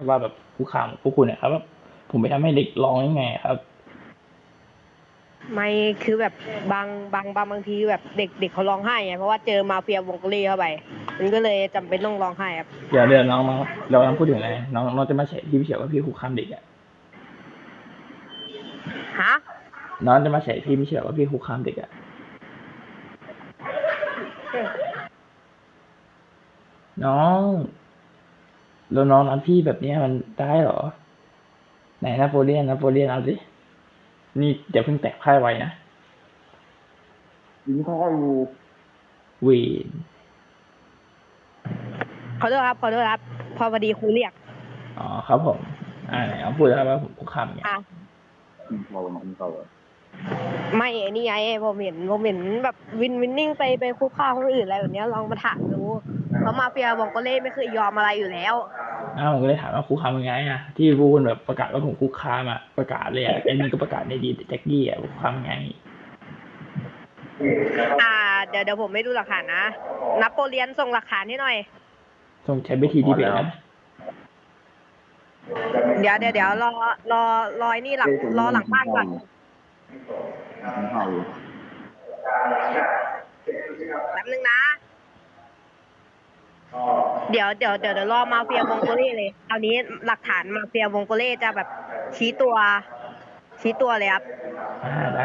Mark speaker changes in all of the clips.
Speaker 1: ว่าแบบคุกคามพวกคุณนะครับว่าผมไปทำให้เด็กร้องยังไงครับ
Speaker 2: ไม่คือแบบบางทีแบบเด็กเขาร้องไห้ไงเพราะว่าเจอมาเฟียวงกอรี่เข้าไปมันก็เลยจำเป็นต้องร้องไห้ครับ
Speaker 1: เดี๋ยวน้องเรากำลังพูดถึงอะไรน้องจะมาแฉพี่เฉียวว่าพี่คุกคามเด็กอ่ะ
Speaker 2: ฮะ
Speaker 1: น้องจะมาแฉพี่ไม่เฉียวว่าพี่คุกคามเด็กอ่ะน้องแล้วน้องรักพี่แบบนี้มันได้เหรอไหนนโปเลียนเอาสินี่เดี๋ยวเพิ่งแตกพ่ายไว้นะ
Speaker 3: ยิงท่ออยู่
Speaker 1: เวีน
Speaker 2: ขอโทษครับพอดีครูเรียก
Speaker 1: อ๋อครับผมไหนเอาพูดแล้วว่าผมคุกคามไง
Speaker 2: อ่ะ
Speaker 3: ยิงท่อประมาณนี้เขาเลย
Speaker 2: ไม่ไอ้นี่ไงผมเห็นแบบวินนิ่งไปคุกคามคนอื่นอะไรแบบเนี้ยลองมาถามดูเพราะมาเฟียวงกอรี่ไม่เคยยอมอะไรอยู่แล้ว
Speaker 1: ผมก็เลยถามว่าคุกคามยังไงอ่ะที่พูดแบบประกาศว่าผมคุกคามอ่ะประกาศเลยอ่ะไอ้นี่ก็ประกาศในดีแจ็คกี้อ่ะคุกคามยังไง
Speaker 2: เดี๋ยวผมไม่ดูหลักฐานนะนโปเลียนส่งหลักฐานให้หน่อย
Speaker 1: ส่งใช้วิธีดีเบตนะ
Speaker 2: เดี๋ยวรอไอ้นี่รอหลังบ้านก่อนแป๊บนึงนะเดี๋ยวรอมาเฟียวงโกเล่เลยคราวนี้หลักฐานมาเฟียวงโกเล่จะแบบชี้ตัวเลยครับ
Speaker 1: ได้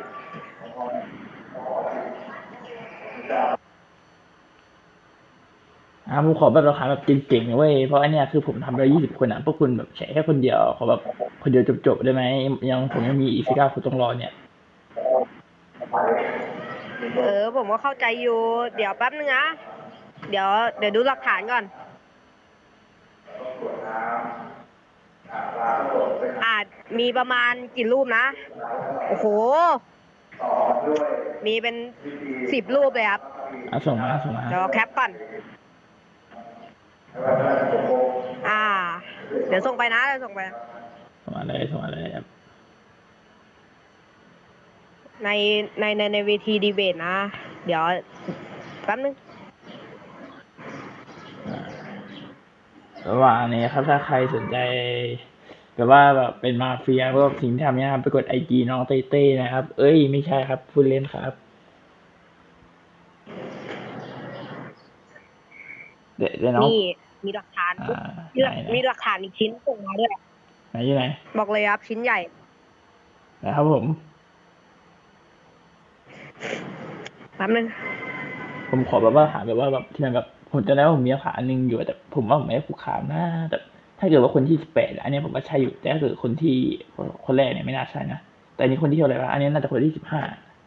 Speaker 1: ผมขอแบบราคาแบบเก่งๆเว้ยเพราะอันเนี้ยคือผมทำไป20 คนอ่ะพวกคุณแบบแฉแค่คนเดียวขอแบบคนเดียวจบได้ไหมผมยังมีอีก19 คนต้องรอเนี่ย
Speaker 2: ผมก็เข้าใจอยู่เดี๋ยวแป๊บนึงนะเดี๋ยวดูหลักฐานก่อนมีประมาณกี่รูปนะโอ้โหมีเป็น10 รูปเลยครับ
Speaker 1: ส่งมา
Speaker 2: เดี๋ยวแคปก่อนเดี๋ยวส่งไปนะส่งมา
Speaker 1: เลยครับ
Speaker 2: ในเวทีดีเบตนะเดี๋ยวแป๊บนึง
Speaker 1: ระหว่างนี้ครับถ้าใครสนใจแบบว่าแบบเป็นมาเฟียพวกสิ่งที่ทำเนี่ยครับไปกดIGน้องเต้นะครับเอ้ยไม่ใช่ครับพูดเล่นครับเดี๋ยวน้อง
Speaker 2: นี่มีหลักฐานมีหลักฐานอีกชิ้นส่งมาด้วย
Speaker 1: ไหนอยู่ไหน
Speaker 2: บอกเลยครับชิ้นใหญ่
Speaker 1: นะครับผม
Speaker 2: แป๊บนึง
Speaker 1: ผมขอแบบว่าหาแบบว่าแบบที่มันแบบผมจะได้ว่าผมมีหลักฐานนึงอยู่แต่ผมว่าผมไม่ได้คุกคามนะแต่ถ้าเกิดว่าคนที่18อันนี้ผมว่าใช่อยู่แต่ถ้าเกิดคนที่คนแรกเนี่ยไม่น่าใช่นะแต่อันนี้คนที่เท่าไหร่วะอันนี้น่าจะคนที่15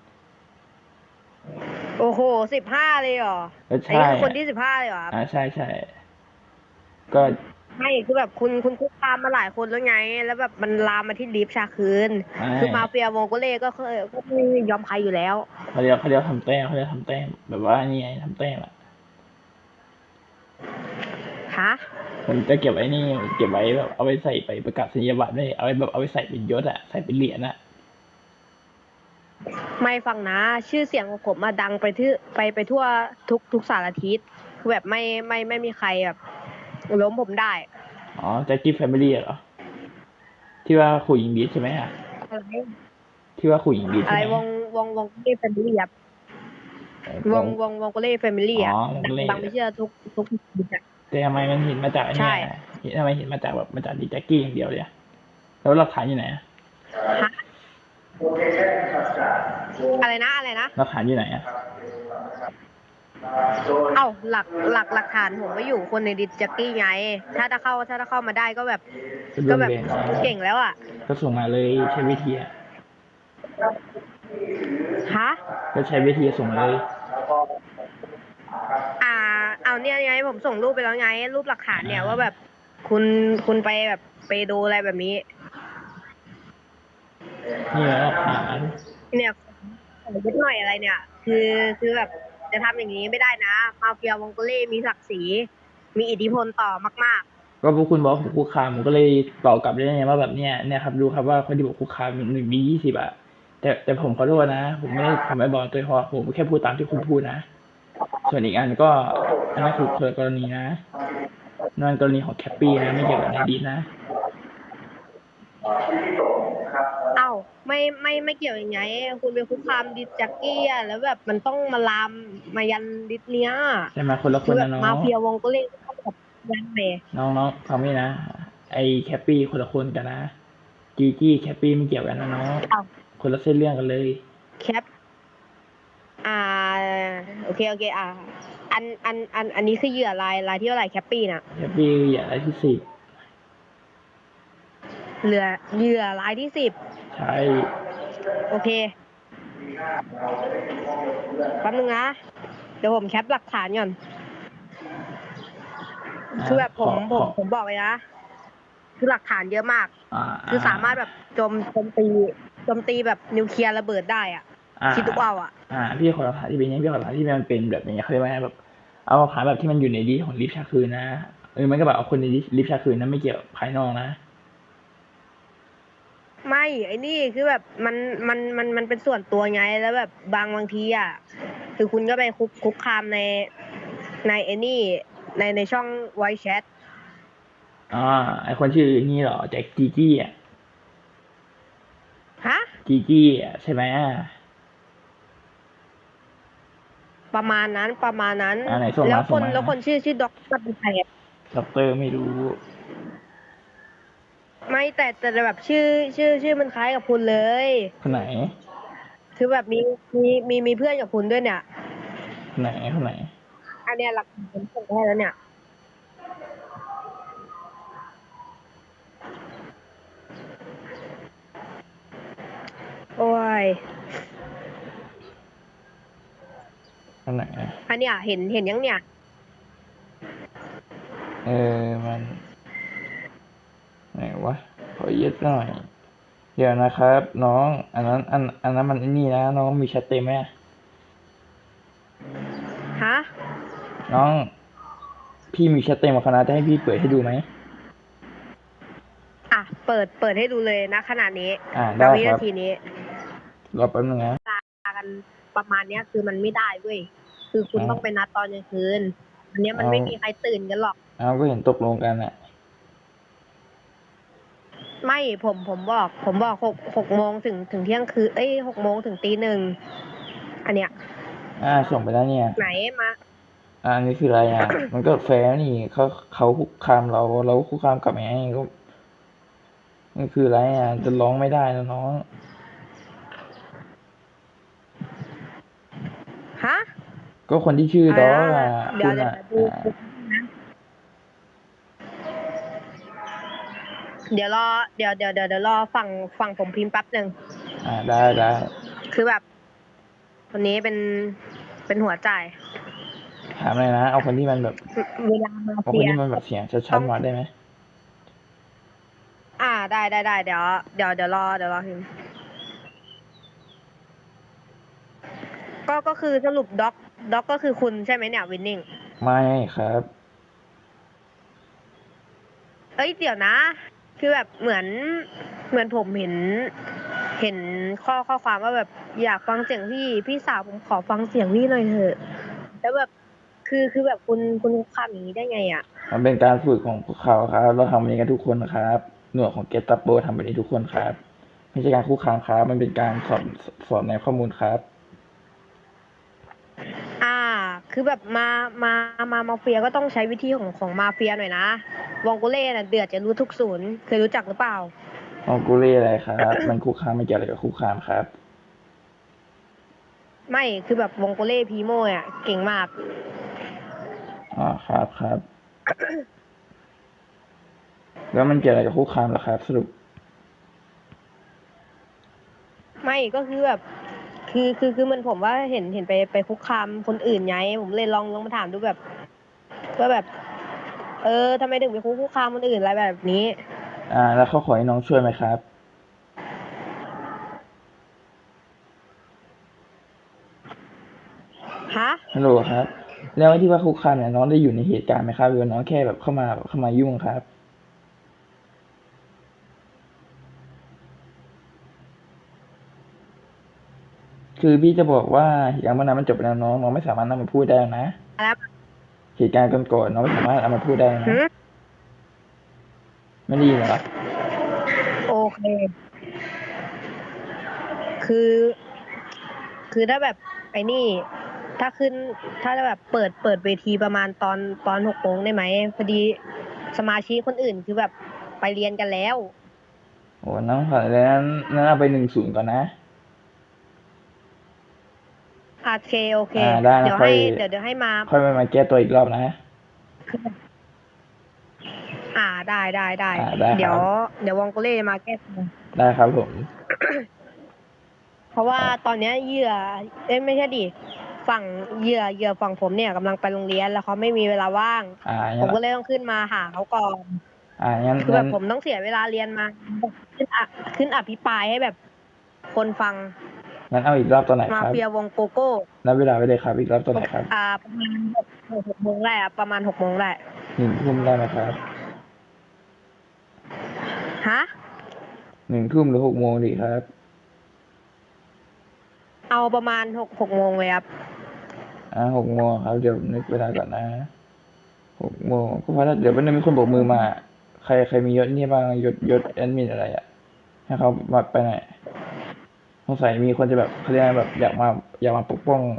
Speaker 2: โอ้โห15เลยเหรอ
Speaker 1: อัน
Speaker 2: นี้คือคนที่15เลยเหรอ
Speaker 1: ใช่ก็
Speaker 2: ไม่คือแบบคุณคุกคามมาหลายคนแล้วไงแล้วแบบมันลามมาที่ลิฟชาคืนคือมาเฟียวงโกเล่ก็ไม่ยอมใครอยู่แล้ว
Speaker 1: เขาเรียกทำแต้มแบบว่านี่ไงทำแต้มอ่ะ
Speaker 2: ฮะ
Speaker 1: ผมจะเก็บไว้นี่เก็บไว้แบบเอาไว้ใส่ไปประกาศนียบัตรด้วยเอาไว้แบบเอาไว้ใส่เป็นยศอ่ะใส่เป็นเหรียญอ่ะ
Speaker 2: ไม่ฟังนะชื่อเสียงของผมมาดังไปทั่วทุกสารทิศคือแบบไม่มีใครแบบล้มผมได้
Speaker 1: แจ็คกี้แฟมิลี่เหรอที่ว่าขู่หญิงดีใช่ไหมอ่ะที่ว่าขู่หญิงดีใช่ไหม
Speaker 2: วงเล่แฟมิลี่ครับวงเล่แฟมิลี่อ่ะดังไม่เชื่อทุก
Speaker 1: แต่ทำไมมันเห็นมาจากอันนี้ทำไมเห็นมาจากแบบมาจากดีแจ็คกี้อย่างเดียวเลยแล้วหลักฐานอยู่ไหน
Speaker 2: อะไรนะ
Speaker 1: หลักฐานอยู่ไหน
Speaker 2: หลักฐานผมไม่อยู่คนในดิสจ็อกกี้ไงถ้าเข้ามาได้ก็แบบเก่งแล้วอ่ะ
Speaker 1: ก็ส่งมาเลยใช้วิธีก็ใช้วิธีส่งเลย
Speaker 2: เอาเนี่ยไงผมส่งรูปไปแล้วไงรูปหลักฐานเนี่ยว่าแบบคุณไปแบบไปดูอะไรแบบนี้
Speaker 1: นี่หลักฐาน
Speaker 2: เนี่ยนิดหน่อยอะไรเนี่ยคือแบบจะทำอย่างนี้ไม่ได้นะมาเฟียวงโกเล่มีศักดิ์ศรีมีอิทธิพลต่อมากๆ
Speaker 1: ก็พวกคุณบอกผมคุกคามผมก็เลยตอบกลับได้ไงว่าแบบเนี้ยครับดูครับว่าคนที่บอกคุกคามมี20อ่ะแต่ผมขอโทษนะผมไม่ได้ทำไอ้บอลตัวพอผมแค่พูดตามที่คุณพูดนะส่วนอีกอันก็อันนั้นคือคนละกรณีนะนั่นกรณีของแคปปี้นะไม่เกี่ยวกับนายดีนะ
Speaker 2: เอ้าไม่เกี่ยวยังไงคุณไปคุกคามดิสแจ็คกี้อะแล้วแบบมันต้องมาลามมายันดิสเนี้ย
Speaker 1: ใช่ไหมคนละค
Speaker 2: คือน แบบ
Speaker 1: นะน้อ
Speaker 2: มาง เฟียวงก็เล่นก็แบบยันเลย
Speaker 1: น้องฟังไม่นะไอ้แคปปี้คนละคนกันนะจีจี้แคปปี้ไม่เกี่ยวกันนะน้อง
Speaker 2: เอ้า
Speaker 1: คนละเส้นเรื่องกันเลย
Speaker 2: แคปอ่าโอเคอันนี้คือเหยื่อรายที่เท่าไหร่แคปปี้น่ะ
Speaker 1: แคปปี้อย่าอะไรที่สิบ
Speaker 2: เหยื่อรายที่ 10
Speaker 1: ใช่
Speaker 2: โอเคแป๊บนึงนะเดี๋ยวผมแคปหลักฐานก่อนคือแบบผมบอกเลยนะคือหลักฐานเยอะมาก คือสามารถแบบโจมตีแบบนิวเคลียร์ระเบิดได้อ่ะคิดดูเอาอ่ะ
Speaker 1: พี่ขอหลักฐานที่เป็นอย่างนี้พี่ขอหลักฐานที่มันเป็นแบบอย่างเงี้ยเขาเรียกว่าไงแบบเอาหลักฐานแบบที่มันอยู่ในดีของลิฟต์ชาคืนนะมันก็แบบเอาคนในลิฟต์ชาคืนนะไม่เกี่ยวภายนอกนะ
Speaker 2: ไม่ไอ้นี่คือแบบมันเป็นส่วนตัวไงแล้วแบบบางทีอ่ะคือคุณก็ไปคุกคามในไอ้นี่ในช่องไวแชท
Speaker 1: ไอคนชื่อนี่เหรอแจ็คจีจี้อ่ะ
Speaker 2: ฮะ
Speaker 1: จีจี้อ่ะใช่ไหม
Speaker 2: ประมาณนั้น
Speaker 1: ไหนส่งมา
Speaker 2: แล้ว
Speaker 1: ส่งมา
Speaker 2: แล้วคนชื่อด็อกเตอร์เป็นใครอะ
Speaker 1: ด็อกเตอร์ไม่รู้
Speaker 2: ไม่แต่แบบชื่อมันคล้ายกับคุณเลย
Speaker 1: คนไหน
Speaker 2: คือแบบมีเพื่อนกับคุณด้วยเนี่ย
Speaker 1: คนไหนคนไหน
Speaker 2: อันเนี้ยหลักฐานผมส่งให้แล้วเนี่ย โอ้ย
Speaker 1: คนไหน
Speaker 2: อันเนี้ยเห็นยังเนี่ย
Speaker 1: มันไหนวะขอเย็ดหน่อย เดี๋ยวนะครับ น้อง อันนั้นมันไอ้นี่นะน้องมีแชทเต็มไหม
Speaker 2: ฮะ
Speaker 1: น้อง พี่มีแชทเต็มกับคณะจะให้พี่เปิดให้ดูไหม
Speaker 2: อ่ะ เปิดให้ดูเลยนะขนาดนี้
Speaker 1: ได้
Speaker 2: วิ
Speaker 1: ครั
Speaker 2: นา
Speaker 1: บ
Speaker 2: ทีนี้
Speaker 1: รอแป๊บนึงนะ
Speaker 2: กันประมาณเนี้ยคือมันไม่ได้เว้ย คือคุณ
Speaker 1: อ้าว
Speaker 2: ต้องไปนัดตอนกลางคืน อันเนี้ยมัน
Speaker 1: อ้าว
Speaker 2: ไม่มีใครตื่นกันหรอก
Speaker 1: ก็เห็นตกลงกันอ่ะ
Speaker 2: ไม่ผมบอกหกโมงถึงเที่ยงคืน6 โมงถึงตี 1อันเนี้ย
Speaker 1: ส่งไปแล้วเนี่ย
Speaker 2: ไหนมา
Speaker 1: อันนี้คืออะไรอ่ะ มันก็แฟร์นี่เขาคุกคามเราคุกคามกลับไงก็นี่คืออะไรอ่ะ จะร้องไม่ได้นะน้อง
Speaker 2: ฮะ
Speaker 1: ก็คนที่ชื่อดอสอ่ะ
Speaker 2: เดี๋
Speaker 1: คุ
Speaker 2: ยว
Speaker 1: ณ
Speaker 2: เดี๋ยว
Speaker 1: อ่ะ
Speaker 2: ดูนะเดี๋ยวรอฝั่งผมพิมพ์แป๊บหนึ่ง
Speaker 1: ได้
Speaker 2: คือแบบคนนี้เป็นหัวใจ
Speaker 1: ถามเลยนะ เอาคนที่มันแบบ
Speaker 2: เวลามา
Speaker 1: เอาค
Speaker 2: เฟี
Speaker 1: น
Speaker 2: ย
Speaker 1: ที่มันแบบเสียงชัดๆมาได้ไหม
Speaker 2: ได้เดี๋ยวรอพิมพ์ก็คือสรุปด็อกก็คือคุณใช่ไหมเนี่ยวินนิ่ง
Speaker 1: ไม่ครับ
Speaker 2: เดี๋ยวนะ คือแบบเหมือนผมเห็นข้อความว่าแบบอยากฟังเสียงพี่สาวผมขอฟังเสียงพี่หน่อยเถอะแล้วแบบคือแบบคุณคุกคามอย่างนี้ได้ไงอ่ะ
Speaker 1: มันเป็นการฝึกของพวกเขาครับ เราทำแบบนี้กันทุกคนนะครับ หน่วยของเกตัปโปทำแบบนี้ทุกคนครับ ไม่ใช่การคุกคามครับ มันเป็นการสอบในข้อมูลครับ
Speaker 2: คือแบบมาเฟียก็ต้องใช้วิธีของมาเฟียหน่อยนะวองโกเล่น่ะเดือดจะรู้ทุกศูนย์เคยรู้จักหรือเปล่า
Speaker 1: ของกูเล่อะไรครับ มันคุกคามไม่เกี่ยวอะไรกับคุกคามครับ
Speaker 2: ไม่คือแบบวองโกเล่พีโม่อ่ะเก่งมาก
Speaker 1: ครับ แล้วมันเกี่ยวอะไรกับคุกคามเหรอครับ สรุป
Speaker 2: ไม่ก็คือแบบคือมันผมว่าเห็นไปคุกคามคนอื่นไงผมเลยลองมาถามดูแบบว่าแบบทำไมถึงไปคุกคามคนอื่นอะไรแบบนี้
Speaker 1: แล้วเขาขอให้น้องช่วยไหมครับ
Speaker 2: ฮะ
Speaker 1: ฮัลโหลครับ แล้วไอ้ที่ว่าคุกคามเนี่ยน้องได้อยู่ในเหตุการณ์ไหมครับหรือว่าน้องแค่แบบเข้ามายุ่งครับ คือพี่จะบอกว่าเหตุการณ์เมื่อนั้นมันจบไปแล้วน้องไม่สามารถนำมาพูดได้นะ
Speaker 2: แล้ว
Speaker 1: เหตุการณ์ก่อนๆน้องไม่สามารถเอามาพูดได้นะ
Speaker 2: หือ
Speaker 1: ไม่ได้ยินเหรอ
Speaker 2: โอเค คือ คือถ้าแบบไอ้นี่ ถ้าขึ้น ถ้าจะแบบเปิดเวทีประมาณตอน6 โมงได้ไหมพอดีสมาชิกคนอื่นคือแบบไปเรียนกันแล้ว
Speaker 1: โอ้น้องขอเลยนั้นเอาไป10ก่อนนะ
Speaker 2: โอเคโอเค
Speaker 1: ได้นะ
Speaker 2: เดี๋ยว
Speaker 1: ค่อย
Speaker 2: ให้เดี๋ยวให้มา
Speaker 1: ค่อยมาแก้ตัวอีกรอบนะ
Speaker 2: ได้
Speaker 1: ได้ครับ
Speaker 2: เดี๋ยววองโกเล่มาแก้ตัว
Speaker 1: ได้ครับผม
Speaker 2: เพราะว่าตอนเนี้ยเหยื่อไม่ใช่ดิฝั่งเหยื่อฝั่งผมเนี่ยกำลังไปโรงเรียนแล้วเขาไม่มีเวลาว่าง ผ
Speaker 1: งั้
Speaker 2: ม
Speaker 1: น
Speaker 2: ก็เลยต้องขึ้นมาหาเขาก่อน
Speaker 1: งั้น
Speaker 2: คือแบบผมต้องเสียเวลาเรียนมาขึ้นอภิปรายให้แบบคนฟัง
Speaker 1: งั้นเอาอีกรอบตัวไหน
Speaker 2: มา
Speaker 1: ครับ
Speaker 2: เฟียวงโกโก้
Speaker 1: นับเวลาไว้เลยครับ อีกรอบตัวไหนครับ
Speaker 2: ประมาณ6 โมงได้อะประมาณ6 โมงได้
Speaker 1: ทุ่มได้ไหมครับ
Speaker 2: ฮะ
Speaker 1: ทุ่มหรือ6 โมงดีครับ
Speaker 2: เอาประมาณหกโมงเลยครับ
Speaker 1: 6 โมงครับ เดี๋ยวนึกเวลาก่อนนะ6 โมงก็เพราะเดี๋ยววันนึงมีคนโบกมือมา ใครมียศนี่บ้างยศแอดมินอะไรอ่ะ ให้เขามาไปหน่อยสงสัยมีคนจะแบบเขาเรียกอะไรแบบอยากมาปกป้อง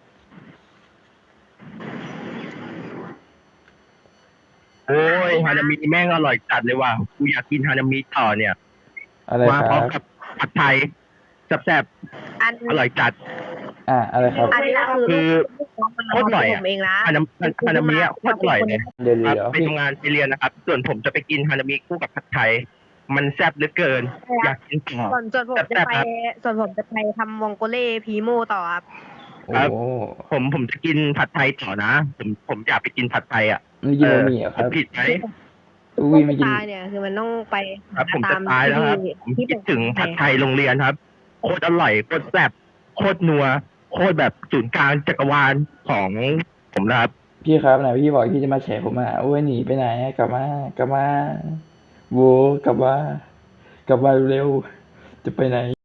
Speaker 4: โอ้ยฮานามิแม่งอร่อยจัดเลยว่ะกูอยากกินฮานามิต่อเนี่ย
Speaker 1: อะไร
Speaker 4: มา
Speaker 1: ค
Speaker 4: พร้อ
Speaker 1: รั
Speaker 4: ม
Speaker 1: บ
Speaker 4: กับผัดไทยแซ่บ
Speaker 2: อัน
Speaker 4: ๆอร่อยจัด
Speaker 1: อะไรครับ
Speaker 2: อันนี้คือ
Speaker 4: โคตรอร่อย
Speaker 2: ผ
Speaker 4: อ่ะ
Speaker 2: มเองนะ
Speaker 4: ฮานามิอ่ะโคตรอร่อยเลย
Speaker 1: เดี๋ยว
Speaker 4: ครับไป
Speaker 1: พี่
Speaker 4: ทำงานไปเรียนนะครับ ส่วนผมจะไปกินฮานามิคู่กับผัดไทย มันแซ่บเหลือเกิน อยากกินต่อ
Speaker 2: ส่วนผมจะไปทำวงโกเล่พีโมต่อครับ
Speaker 1: โอ้
Speaker 4: ครับ ผมจะกินผัดไทยต่อนะ ผมอยากไปกินผัดไทยอ่ะ
Speaker 1: ไม่กินบะหมี่เหรอครับ
Speaker 4: ผมผิดไหม
Speaker 1: อุ้ยไม่กิน
Speaker 2: ตายเนี่ยคือมันต้องไป
Speaker 4: ครับผมจะตายแล้วครับ ผมคิดถึงผัดไทยโรงเรียนครับ โคตรอร่อยโคตรแซ่บโคตรนัวโคตรแบบศูนย์กลางจักรวาลของผมนะครับ
Speaker 1: พี่ครับไหนพี่บอกพี่จะมาแฉผมโอ้ยหนีไปไหนกลับมาโวกลับมาเร็วจะไปไหน